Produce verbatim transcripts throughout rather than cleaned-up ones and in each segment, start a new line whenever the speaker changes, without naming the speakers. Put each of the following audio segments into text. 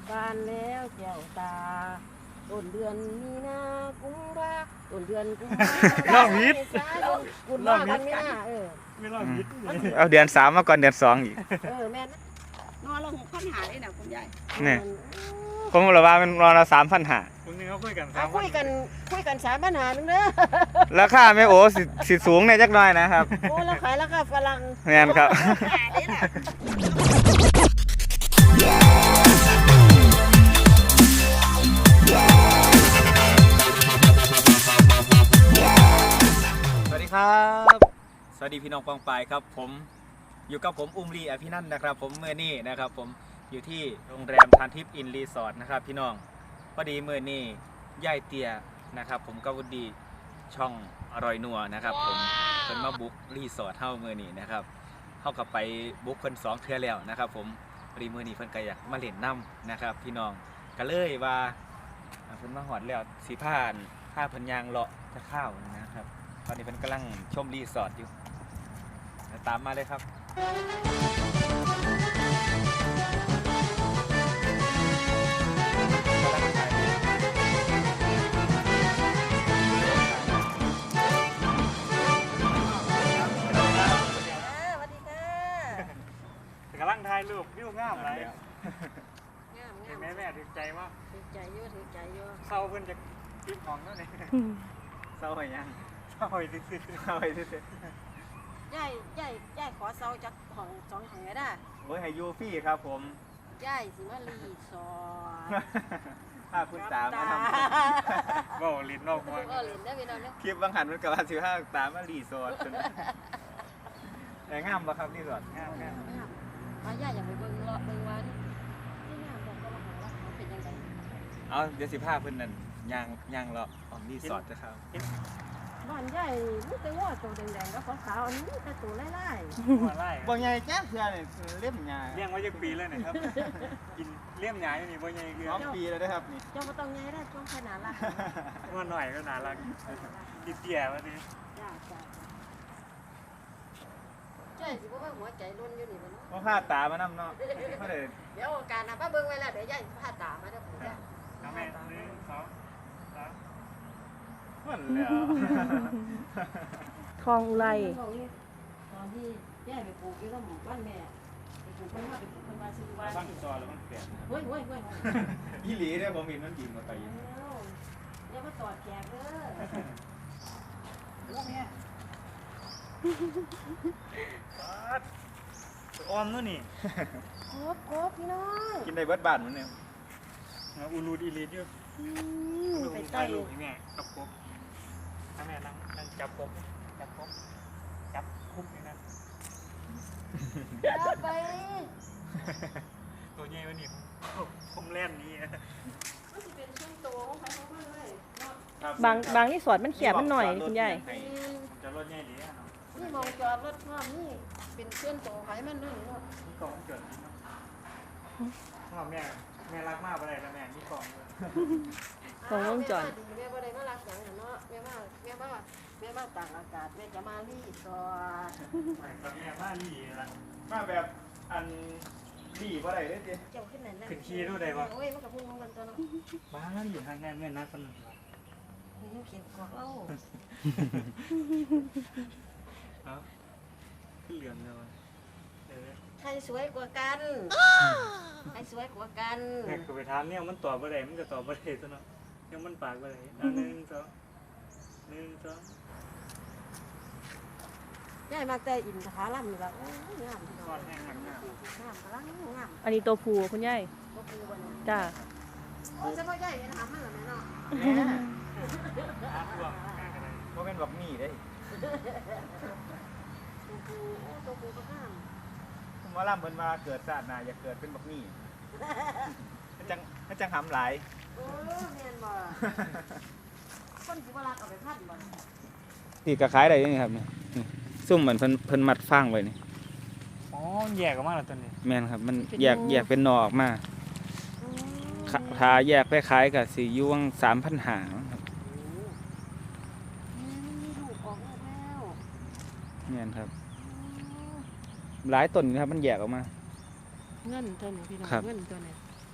บานแล้วแก้วตาต้นเดือนมีนากุมภาต้นเดือนกุมภา
ล่องวิทย์
กุมภาพันธ์มีนาเออ
ไม่รอดยิด
เอาเดือนสามมาก่อนเดือนสองอีก
เออแม่น
นอนลงค้นหาเลยนะคุณยาย
นี่ผมบอกว่ามันรอเราสามพันหา
คุณนี่เขาคุยกัน
เอาคุยกันคุยกันสามปัญหาหนึงเด้อ
ราคาไม่โอ้สิสิสูงในจักหน่อยนะครับ
โอ้เราขายราคาฝรั่ง
แม่นครับ
หาเลยนะ
สวัสดีครับ สวัสดีพี่น้องปองปายครับผมอยู่กับผมอุ้มลีอภินันท์นะครับผมเมื่อนี้นะครับผมอยู่ที่โรงแรมทานทิพย์อินรีสอร์ทนะครับพี่น้องพอดีเมื่อนี้ย่ายเตียนะครับผมก็วุดีช่องอร่อยนัวนะครับผมเพิ่นมาบุกรีสอร์ทเฮาเมื่อนี้นะครับเฮากับไปบุกเพิ่นสองเทื่อแล้วนะครับผมพอดีเมื่อนี้เพิ่นก็อยากมาเล่นน้ำนะครับพี่น้องก็เลยว่าเพิ่นมาหอดแล้วสีผ้านผ้าเพิ่นยางเลาะจะเข้านะครับตอนนี้เพิ่นกำลังชมรีสอร์ทอยู่ตามมาเลยครับ
กำลังถ่ายรูปวิวงามไร
งามงาม
แม่แม่ถึงใจว่า
ถือใจอยู่ถือใจอยู่
เศร้าเพิ่นจะกินของแล้วเนี่ย
เศร้าหรือยัง
เศร้าไปซื้อ
เศร้าไปที่สุด
ย่ายย่ายย่ายขอเซาจากของสองของไงได้
โอ้ยให้ยูฟี่ครับผม
ย่ายสิมารีสอร์ท
ถ้าคุณตามมาท
ๆว่าลิ้นนอกหัว
เออเล่นได้พี่น้องเนี่ย
ำคลิปบางหันมันกับว่าสิบห้าตามมารีสอร์ทแต่งามปะครับรีสอร์ท
งามงาม
มาย่าอย่าไปเบิ่งเลาะเบิ่งว่าที่ที่งามบอกก็มาหาว่าเขาเป็นยังไง
เอาเดี๋ยวสิบห้าเพิ่นนั่นยางยางเลาะออกรีสอร์ทนะครับ
บ้านย่ายมีแต่ว่าตัวแดงๆกับขาวๆอันนี้แต่ตัวไล่
หัวไล่
บ่ใหญ่แจ้งเพื่อนี่เล่มยา
เลี้ยงไว้ยังปีเลยนะครับกินเลี้ยงหยาอยู่นี่บ่ใหญ่เกลือ
สองปีแล้วนะครับนี่
ๆเจ้าก็ต้องไงได้ช่วงขนาดละ
ว่าหน่อยก็น่ารักกินเตี้ยมาดิ
จ้าจ้าย่ายสิบ่ว่าหัวใจล้นอยู่นี่มัน
ว่าพาตามานำเนาะบ่ได้
เดี๋ยวการนะป้าเบิ่งไว้แล้วเดี๋ยวย่ายพาตามาเด้อผมจ้า
น้ำแม่หนึ่งสองสาม
มันแล้ว
คลองอุไร
ตอนที่ย่ายไปปลูกอยู่แล้วหมู่บ้านแม่ไปปลูกเพิ่นว่าไปปลูกเพิ่นว่าซื้อว่า
บ้านซอยแล้วมันเปลี่ยน
เฮ้ยเฮ้ยเฮ้ย
อีหลีเนี่ยผมเห็นมันกินมาไป
เดี๋ยวมาตอดแขกเด้อ
ออมนู่นนี่
ครบครบพี่น้อง
กินได้เบิดบ้านมันเนี่ย
อูรูดอีลีดอยู่
ไป
ถ่า
ใต้
ยรูปให้แม่กับกบถ้าแม่นั่งนั่งจับกบจับกบจับคุกนี่นะ
เอาไป
ตัวใหญ่วันนี้ผมแล่นนี้
มันสิเป็นช่วงโตของใครของมันเลยเนาะ
บางบางที่สวนมันเขียบมันหน่อยนี่คุณยาย
ผมจะรถใหญ่ดีอ่ะ
นี่มองจอดรถพร้อมนี่เป็นเพื่อนโตใครมันนั่นเนาะ
นี่กล่องเกิดพ่อแม่แม่รักมากไปเลยนะแม่นี่กล่องเลย
ของวงจร
ดีแม่บ่ได้มารักหยังเนาะแม่มาแม่มาแม่มาต่างอากาศแม่จะมารีสอร์ท
ตอนนี้มาหลีละ
มาแบบอันดีบ่ได้เด้อจิ
เจ้าขึ้นไหนนั่น
ขึ้นขี่ดูได้ปะ
โอ้ยมันกับพุ่งมันตัวเนาะ
บ้าอยู่ทางแม่แม่นัดคนหนึ่ง
นี่เขียนกอกเล่า
เอาขึ้นเหลืองเลยเออ
ใครสวยกว่ากันใครสวยกว่ากัน
แม่ก็ไปถามเนี่ยมันตอบอะไรมันก็ตอบอะไรซะเนาะเนี่ยมันปากอะไรอ่ะหนึ่งสองหนึ่งสอง
ยายมาแต่อินทผลัมนี่ละโอ้ยงามพี่น้อง
ก้อนแห้งหักหน้าง
ามกำลังงาม
อันนี้ตัวผูคุณยาย
ก็คือวันนี้
จ้า
โอ้ยเฉพาะยายเห็นหามันเหรอแม่เนาะ
อาพวกแห้งอะไร
บ่เป็นบักหมี่เด้
ตัวปูโอ้ตัวปูก็งาม
ผมว่าล่ำเพิ่นมาเกิดชาติหน้าอยากเกิดเป็นบักหมี่มันจังมันจังหำหลาย
โอ้เมียนบ่คนสิบ่รักเอาไปพันบ่
นี่ก็ขายได้นี่ครับนี่ซุ่มเหมือนเพิ่นเพิ่นมัดฟางไว้นี่
อ๋อแยกออกมาแล้วตัวนี้
แม่นครับมันแยกแยกเป็นหนอออกมาถ้าแยกไปขายก็สิอยู่วังสามพันห้าครับ
มีลูกออกลูกแล้ว
แม่นครับ หลายต้นครับมันแยกออกมา
เงินตัวนี้พี่น้อง
ครับ
เงินตัวนี้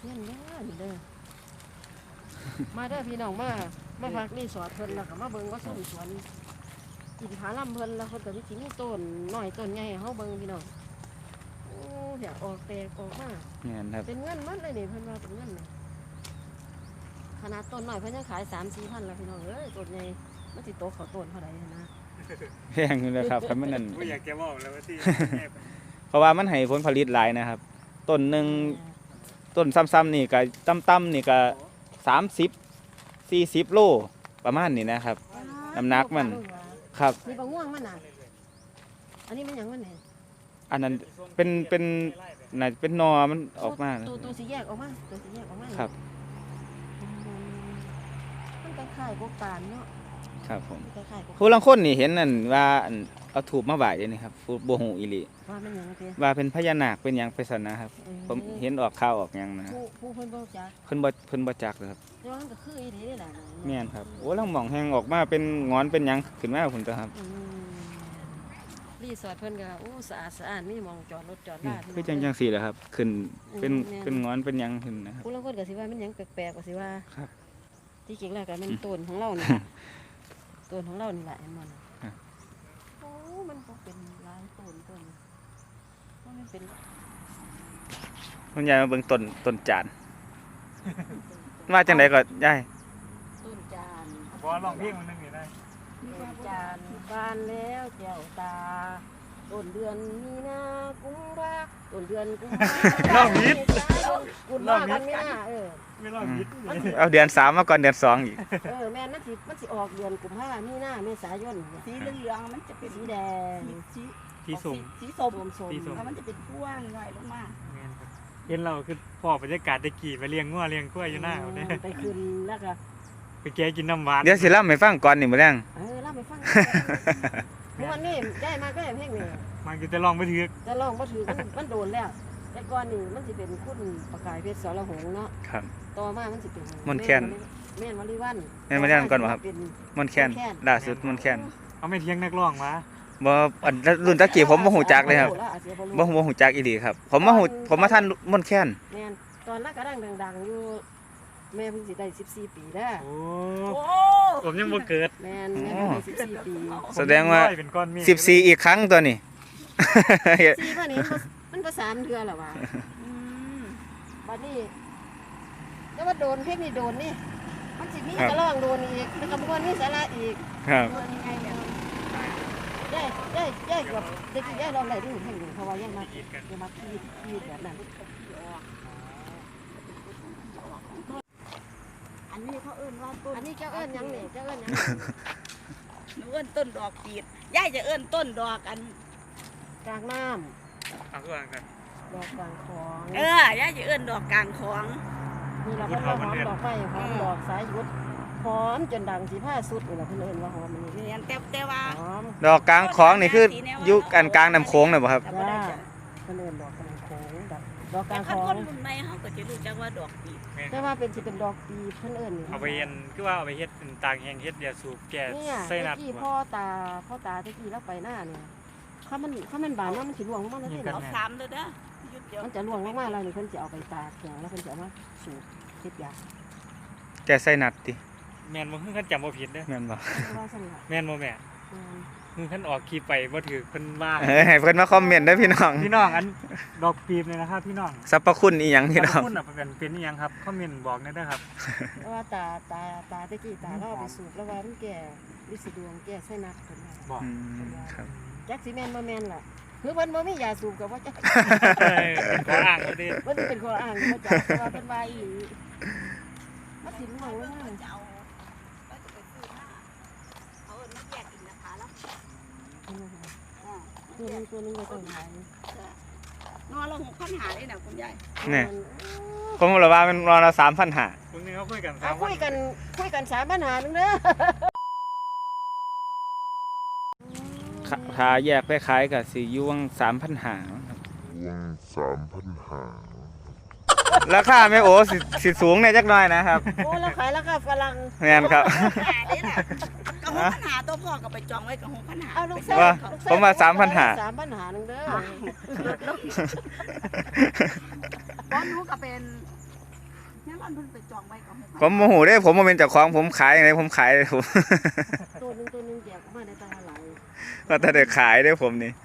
เงินเด้อนี่เด้อมาเด้อพี่น้องมามาพักรีสอร์ทเพิ่นแล้วก็มาเบิ่งว่าส้มสวนกินผาลำเพิ่นแล้วเพิ่นก็มีสิมีต้นน้อยต้นใหญ่ให้เฮาเบิ่งพี่น้องโอ้เดี๋ยวออกแตกออกมา
แม่นครับ
เป็นเงินหมันเลยนี่เพิ่นว่าเป็นเงินนี่ขนาดต้นน้อยเพิ่นยังขาย สามสี่พันแล้วพี่น้องเอ้ยต้นใหญ่มันสิโตเข้าต้นเท่าใดนะ
แพงอยู่แล้วครับคันมันนั่น
บ่อยากจะบอกแล้วว่าที่
เพราะว่ามันให้ผลผลิตหลายนะครับ ต้นหนึงต้นซ้ำๆนี่ก็ต่ำๆนี่ก็สามสิบ สี่สิบโลประมาณนี้นะครับ น้ำหนักมัน ครับ
นี่บ่ง่วงมันน่ะอันนี้มันหยังมันนี่
อันนั้นเป็นเป็นน่าจะเป็นนอมันออกมานะ
ตัวตัวสีแยกออกมาตัวสีแยกออกมา
ครับ
อืมมันคล้ายๆพวกปานเนาะ
ครับผม
คล้ายๆพวก
ผู้ลังคนนี่เห็นนั่นว่าอันเอาถูกมาบ่ายเดี๋ยวนี้ครับผู้บ่ฮู้อีหลี
ว่ามันหยังเด้
ว่าเป็นพญานาคเป็นหยังไปซั่นนะครับ ผมเห็นออกข่าวออกหยังนะ
ผู้ผู้เพิ่นบ่จัก
เพิ่นบ่เพิ่นบ่จักเลยครับ
แต่ว่ามันก็คืออีหลีนี่แหละ
แม่นครับโอ้ลังหม่องแฮงออกมาเป็นงอนเป็นหยังขึ้นมาพุ่นตัวครับ
อืมรีสอร์ทเพิ่นก็โอ้สะอาดสะอาดมีหมองจอดรถจอด
อื
ลาม พี่น้
คือจังจังซี่แหละครับ ขึ้นเป็น
อืม
เป็นงอนเป็นหยังขึ้นนะครับ
ผู้ลางคนก็สิว่ามันหยังแปลกๆก็สิว่า
ครับ
ที่จริงแล้วก็มันต้นของเรานี่ ต้นของเรานี่แหละเห็นบ่น่ะ
ครับ
โอ้มันก็เป็นหลายต้นต้นว่ามันเป็น
คุณยายมาเบิ่งต้นต้นจานมาจังไดก็ยาย
ต้นจาน
บ่ลองเพลงมันนึงนี่ได้
ต้นจานบานแล้วแก้วตาต้นเดือนมีนากุมภาต้นเดือนกุมภา
ลองผิด
กุมภากันมีนาเออ
ไม่ลองผิด
เอาเดือนสามมาก่อนเดือนสองอีก
เออแม่นมันสิมันสิออกเดือนกุมภามีนาเมษายนเนี่ย
สีเหลืองๆมันจะเป็น
สีแดง
สี
ที่ส่ง
สีส้ม
ส้มส้ม
สีส้ม
แล้วมันจะเป็นพ่วงหน่อยลงมา
แม่นครับเห็นเราคือพอบรรยากาศตะกี้ไปเลี้ยงงัวเลี้ยงกล้วยอยู่หน้าเอาเนี่ย
ไปคืนแล้วก็
ไปแกะกินน้ำหวาน
เดี๋ยวสิเล่าให้ฟังก่อนนี่มื้อแรง
เออเล่าไปฟังเมื่อวันนี้ได้มาก็เพลงนี่
มันก็จะลองไปถือ
จะลองบ่ถือมันมันโดนแล้ว แต่ก่อนนี่มันสิเป็นคุณประกายเพชรสรหงษ์เนาะ
ครับ
ต่อมามันสิเป็น
มนต์แคน
แม่นวลีวัน
แม่นวลีวันก่อนบ่ครับ
เป็น
มอนแคนล่าสุดมอนแคน
เอาไม่เที่ยงนักร้องมา
บ่อันรุ่นตะกี้ผมบ่ฮู้จักเลยครับ
อาจจะรู้
บ่บ่ฮู้จักอีหลีครับ ผมมาฮู้ผมมาทันมอนแคน
แม่นตอนนั้นก็ดังดังๆอยู่แม่เพิ่งสิได้สิบสี่ปีแล้ว
โอ้
โอ้
ผมยังบ่เกิด
แม่นแม่เพิ่งได้สิบสี่ปี
แสดงว่า
ผมยังน้อยเป็นก้อนเมฆ
สิบสี่อีกครั้งตัวนี้
สี่ป่ะนี่มันมันก็สามเดือนแล้ววะ
อืม
บัดนี้แต่ว่าโดนเพลงนี่โดนนี่มันสิมี
ครับ
กระลองโดนอีกแล้วก็บ่มีสาระอีก
ครับ
โดนยังไงเนี่ยย่ายย่ายย่ายเกับเด็กย่ายลองได้ที่เพลงหนึ่งเพราะว่าย่ายมาย่ายมาคีดคีดแบบนั้น
อันนี้เขาเอิ้นว่าต้น
อันนี้เจ้าเอิ้นหยังนี่เจ้าเอิ้นหยัง
หนูเอิ้นต้นดอกปีดย่ายจะเอิ้นต้นดอกอัน
กลางน้
เอาคือว่ากัน
ำดอกกลางคลอง
เออย่ายจะเอิ้นดอกกลางของ
นี่เราก็หอมดอกไม้หอมดอกสายหยุดหอมจนดังสีผ้าสุดนี่เราเพิ่นเอิ้นว่าหอมมันนี่
เรียนแต่แต่ว่า
หอม
ดอกกลางของนี่คืออยู่กันกลางน้ำโค้งน่ะบ่ครับ
แต่บ่ได้จ้ะ
เพิ่นเอิ้นดอกกลางโขงดอกดอกก
แต่
ลาง
คั
คน ลอ
ค
ง
นรุ่นใหม่เขาก็จะรู้จักว่าดอกปีด
แม่น
แต่ว่าเป็นสิเป็นดอกปีเพิ่นเอิ้นนี่
เอาไปเฮ็ดคือว่าเอาไปเฮ็ดเป็นตากแห้งเฮ็ดยาสูบแก้
เนี่ย
ไส้นัด
ตะกี้พ่อตาพ่อตาตะกี้เราไปหน้าเนี่ยถ้ามันถ้ามันบานแล้วมันสิร่วงลงมาแล้ว
นี่
นี่
กั
นะ
น
เอาสามเลยเด้อหยุดเดี๋ยว
มันจะร่วงลงมาแล้วนี่เพิ่นจะเอาไปตากแข็งแล้วเพิ่นจะเอามาสูบเฮ็ดยา
แกใส่นัดติ
แม่นบ่คือคันจำบ่ผิดเด้อ
แม่นบ่
เพราะว่าซั่นล่ะ
แม่นบ่แม่
อืม
คือคันออกขี่ไปบ่ถือเพิ่นว่า
เอ้ยให้เพิ่นมาคอมเมนต์เด้อพี่น้อง
พี่น้องอันดอกปีบเลยนะครับพี่น้อง
สรรพคุณอีหยังพี่น้อง
คุณน่ะเป็นเป็นอีหยังครับคอมเมนต์บอกหน่อยเด้อครับ
เพราะว่าตาตาตาตะกี้ตาเราเอาไปสูบแล้วว่ามันแก่ลิสิดวงแก่ไส้นักเพิ่นว่า
บอก
อืมครับ
จักสิแม่นบ่แม่นล่ะคือเพิ่นบ่มียาสูบก็บ่จัก
เป็นข้ออ้างบ่ดี
เพิ่นเป็นข้ออ้างบ่จักแต่ว่าเพิ่นว่าอีหลีมันสิร่วงลงมา
จะเอาก็จะไปซื้อมาเขาเอิ้นมาแยกอินทผลัมอ่า
ตัวนึงตัวนึงก็ต้องหาย
นอนละหกพันหาเลยนะคุณยาย
นี่ผมบอกว่ามันรอละสามพันห้า
พรุ่งนี้เขาคุยกัน
อ่ะ
สาม
คุยกันคุยกันสามปัญหาหนึงเด้อ
ถ้าแยกไปขายก็สิอยู่วังสามพันห้า
Uang sampan ha.
ราคาแม่โอสิสิสูงแน่จักหน่อยนะครับ
โอ้เราขายแล้วก็ฝรั่ง
แม่นครับ
หาเลยล่ะกระหงพันหาตัวพ่อก็ไปจองไว้กระหงพันหา
เอาลูกไส้
ว่า
ลูกไส้
ผมว่าสามพันห้า
สามปัญหาหนึงเด้อ
บ้านหนูก็เป็นเนี่ยมันเพิ่นไปจองไว้ก็ให้
ผมโมโหได้ผมมาเป็นเจ้าของผมขายอย่างไรผมขายเลยผม
ตัวหนึงตัวหนึงแยกออกมาได้ตาหลาย
ก็ถ้าได้ขายได้ผมนี่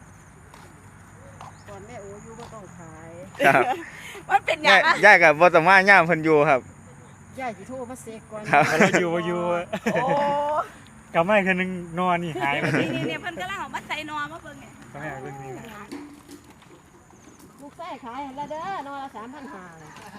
ตอนแม่โออยู่บ่ต้องขาย
ครับ
มันเป็นหยั
ย่าง
อ่ะ
ย่ากับวัตมาย่ามเพิ่นอยู่ครับ
ยายสิโทรมาเซ็กก่อน
ครับ
เราอยู่บ่อยู่
โอ้
กลับมาอีกคืนนึงนอนนี่หายไปเลย
นี่เนี่ยเพิ่นกำลังเอามาใส่นอมาเบิ่งเนี่ย
ก็ให้เอาเรื่องนี้
ลูกไส้ขายแล้วเด้อนอนละสามพันห้า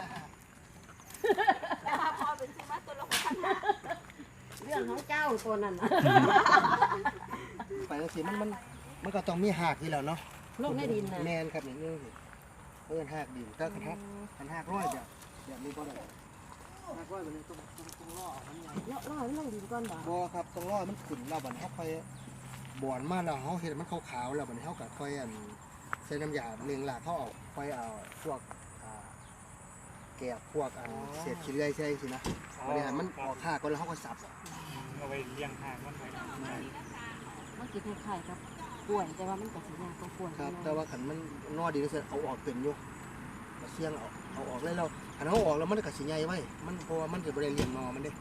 แต่ว่าพอเป็นสิมาตัวละหกพันห้า
เรื่องของเจ้าตัวนั้นน่ะ
ไปจังซี่มันมันมันก็ต้องมีหากที่แล้วเนาะ
โลกในดินน่ะ
แม่นครับนี่นี่เพิ่นหากดินถ้าคันหักคันหักร้อยแบบแบบนี้บ่ได้หักร้อยแบบนี้ต้องต้องต้องรอเอามันใหญ่
เลาะเลาะให้มันลงดินก่อนบ่
บ่ครับต้องรอให้มันขึ้นแล้วบัดนี้เฮาค่อยบ่อนมาแล้วเฮาเฮ็ดให้มันขาวๆแล้วบัดนี้เฮาก็ค่อยอันใส่น้ำยาเลี้ยงหลากเขาเอาค่อยเอาพวกอ่าแกบพวกอันเศษขี้เลื่อยใช่สินะบัดนี้ให้มันออกหากก่อนแล้วเฮาก็สับ
เอาไปเลี้ยงหางมันไว้
มันสิคล้ายๆกับกล้วยแต่ว่ามันก็สิยากกว่ากล้วย
ครับ
เนาะ
แต่ว่าคันมันนอดีก็สิเอาออกเป็นอยู่ก็เสี่ยงเอาเอาออกเลยแล้วคันเอาออกแล้วมันก็สิใหญ่ไว้มันเพราะว่ามันจะบ่ได้เลี้ยงนอมันเด้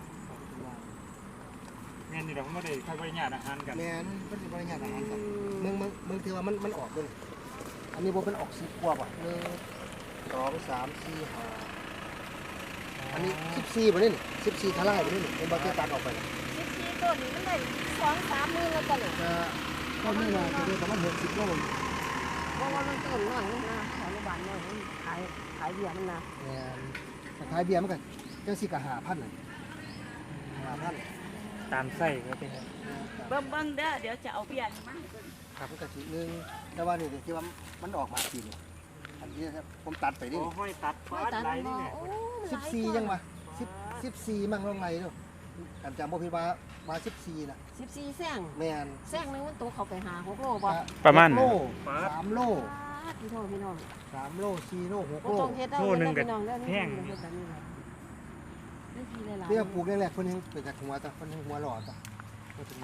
เงี้ยนี่เราไม่ได้ค่อยบริญาตอาหารกัน
แม่นมันสิบ่ได้ยากอาหารครับมึงมึงมึงถือว่ามันมันออกเบิ่งอันนี้บ่เป็นออกสิบกว่าบ่หนึ่งสองสามสี่ห้าอันนี้สิบสี่บ่นี่นี่สิบสี่ทลายบ่นี่นี่เป็นบ่ที่ตัดออกไปน่ะ
สิบสี่ต้นนี่มันได้สองสามหมื่นแล้วจ้ะเนี่ย
ก็ต้นนี้น่ะจะได้ประมาณหกสิบโล
เพราะว่ามันต้นน้อยนี่นะขออนุบาลน้อยมันขายขายเบี้ยมันนะ
แม่นแต่ขายเบียร์มันก็จังสิก็ห้าพันน่ะห้าพัน
ตามไส้ก็เป็น
เบิ่งเบิ่งเด้อเดี๋ยวจะเอาเบียร์มาให้เบิ่ง
ครับมันก็สิหนึงแต่ว่านี่ที่ว่ามันออกมาปีนี้อันนี้ครับผมตัดไปนี่
โอ้ห้อยตัด
ไม่
ฟาด
ตัด
ไหล
มันบ่
นี่แหละ
โอ้
สิบสี่ยังวะสิบสิบสี่มั่งลงไรเนาะอันจำบ่ผิดว่ามาสิบสี่นะ
สิบสี่แซง
แม่น
แซงหนึงมันตกเข้าไปหาหกโลบ่
ประมาณ
โลสามโล
พี่น้องพี่น้อง
สามโลสี่โลหก
บ่
โล
ต้องเฮ็ดเอาเงินพี่น้องเด้อนี่เฮ็ดแบบนี้เลยนี่ทีหลายๆ
เรียกปลูกแรกๆคนนึงเป็นจากหัวแต่คนนึงหัวหลอดอ่ะก็ถึงมา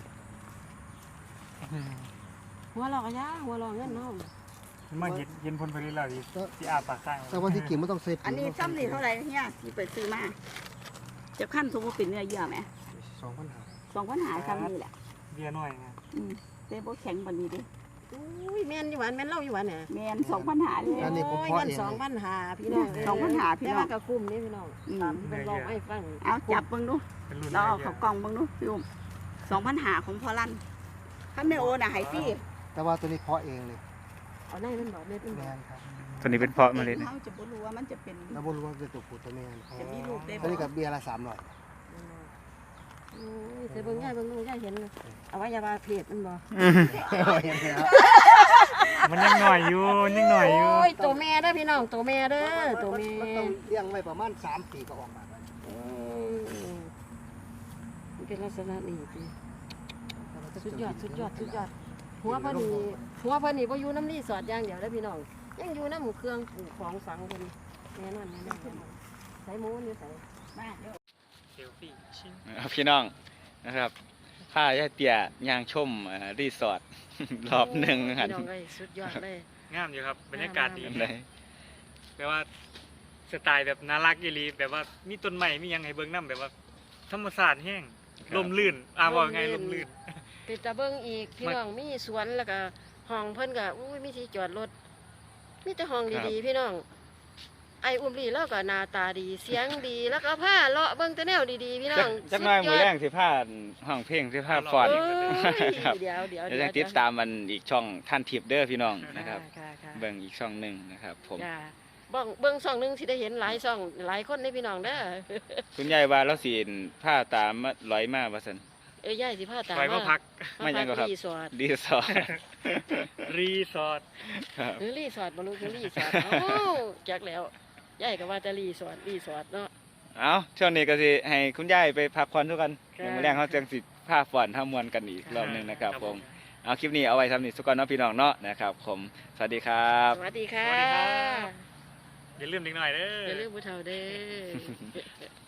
หัวหลอกอะยะหัวหลอกเงินเนาะ
มาเห็นเห็นผลผลิตแล้วดิที่อาปากข้าง
แต่วันที่กิ่งมันต้องเซฟ
อันนี้ซ้ำนี่เท่าไหร่เนี่ยที่ไปซื้อมาจะขั้นสมมุติเป็นเนื้อเยื่อไหม
สองพันห้า
สองปัญหาซ้ำนี่แหละ
เบียร์หน่อยไง
อืมแต่บ่แข็งปานนี้เดิ
อุ้ยแม่นอยู่หวานแม่นเล่าอยู่หวานเนี่ย
แม่นสองปัญหาเลย
อันนี้ผม
โอ้ย
เพาะ
เงิน
เอง
สองพันหาพี่น้อง
สองพันห้าพี่น้อง
แต่ว่าก็คุ้มนี่พี่น้อง
อืม
ตามที่เป็นลองให้ฟัง
เอาจับเบิ่งดู
เป็นรุ่น
เราเอา
เย
เขา
อะ
กล่องเบิ่งดูพี่อุ้มสองปัญหาของพอลั่นคันแม่โอน่ะให้ฟรี
แต่ว่าตัวนี้เพาะเองเลย
เอาได้มันบอกเม็ดมันบ
แม่
อก
นครับ
ตัวนี้เป็นเพาะเมาเลยนะ
เขาจะบ่รู้ว่ามันจะเป็น
แล้วบ่รู้ว่าเป็นตัวผู้ตัวแม่
จะมีลูกได้
ตัว
บ่
นี้กับเบียร์ละสามร้อย
โอ้ยแต่เบิ่งง่ายเบิ่งดูง่ายเห็นเลยอวัยวะเพศมันบอก
เห็นไหมครับ
มันยังหน่อยอยู่ยังหน่อยอยู่
โอ้ยตัวแม่เด้อพี่น้องตัวแม่เด้อตัวแม่
มันต้องเลี้ยงไว้ประมาณสามปีก็ออกมาแล้ว
อืมมันเป็นลักษณะนี้พี่สุดยอดสุดยอดสุดยอดหัวเพิ่นนี่หัวเพิ่นนี่บ่อยู่น้ำรีสอร์ทอย่างเดียวเด้อพี่น้องยังอยู่น้ำเครื่องปลูกของฝังเพิ่นแน่นอนแน่นอนใส่หมูนี่ใส่
มาเดี๋ยว
เซลฟี่ชิง
ครับพี่น้องนะครับข้าย่าเตี่ยย่างชมเอ่อรีสอร์ท รอบหนึ่งหัน
พี่น้องเอ้ยสุดยอดเลย
งามอยู่ครับบรรยากาศดี
เลย
แปลว่าสไตล์แบบน่ารักอีหลีแบบว่ามีต้นไม้มีหยังให้เบิ่งนํแบบว่าธรรมชาติแห้งลมลื่นอ่าว่าไงลมลื่น
ติดตะเบิ่งอีกพี่น้องมีสวนแล้วก็ห้องเพิ่นก็อุ้ยมีที่จอดรถมีแต่ห้องดีๆพี่น้องไอ้อุ้มลีแล้วก็หน้าตาดีเสียงดีแล้วก็ผ้าเลาะเบิ่งแต่แนวดีๆพี่น้
จั
อก ง
จักหน้อยมือแรงสิพาห้องเพลงสิพาฟอน
โอ้ย
ครับ
เดี๋ยวเดี๋ยว
เดี๋ยวจะติดตามมันอีกช่องท่านทิพย์เด้อพี่น้องนะครับ
ค่ะค่ะ
เบิ่งอีกช่องหนึ่งนะครับผม
จ้าเบิ่งเบิ่งช่องหนึงสิได้เห็นหลายช่องหลายคนในพี่น้องเด้อ
คุณยายว่าเราสิผ้าตามมาร้อยมาว่าซั่น
เอ้ยยายสิพาตาม
ไปมาพัก
ไม่ยังก็ครับ
รีสอร์ท
รีสอร์ท
รีสอร์ท
ครับ
หรือรีสอร์ทบ่รู้คือรีสอร์ทเอ้าจักแล้วยายก็ว่าจะรีสอร์ทรีสอร์ทเนาะ
เอาช่วงนี้ก็สิให้คุณยายไปพักผ่อนทุกกัน
ค่ะ
เดี๋ยวมื้อแรงเขาจังสิผ้าฟ่อนทำมวนกันอีกรอบหนึงนะครับผมเอาคลิปนี้เอาไว้ทำนี่สุกอนเนาะพี่น้องเนาะนะครับผมสวัสดีครับ
สวัสดีค่ะ
สวัสดีครับ อย่าลืมนิดหน่อยเด้อ
อย่าลืมผู้เฒ่าเด้อ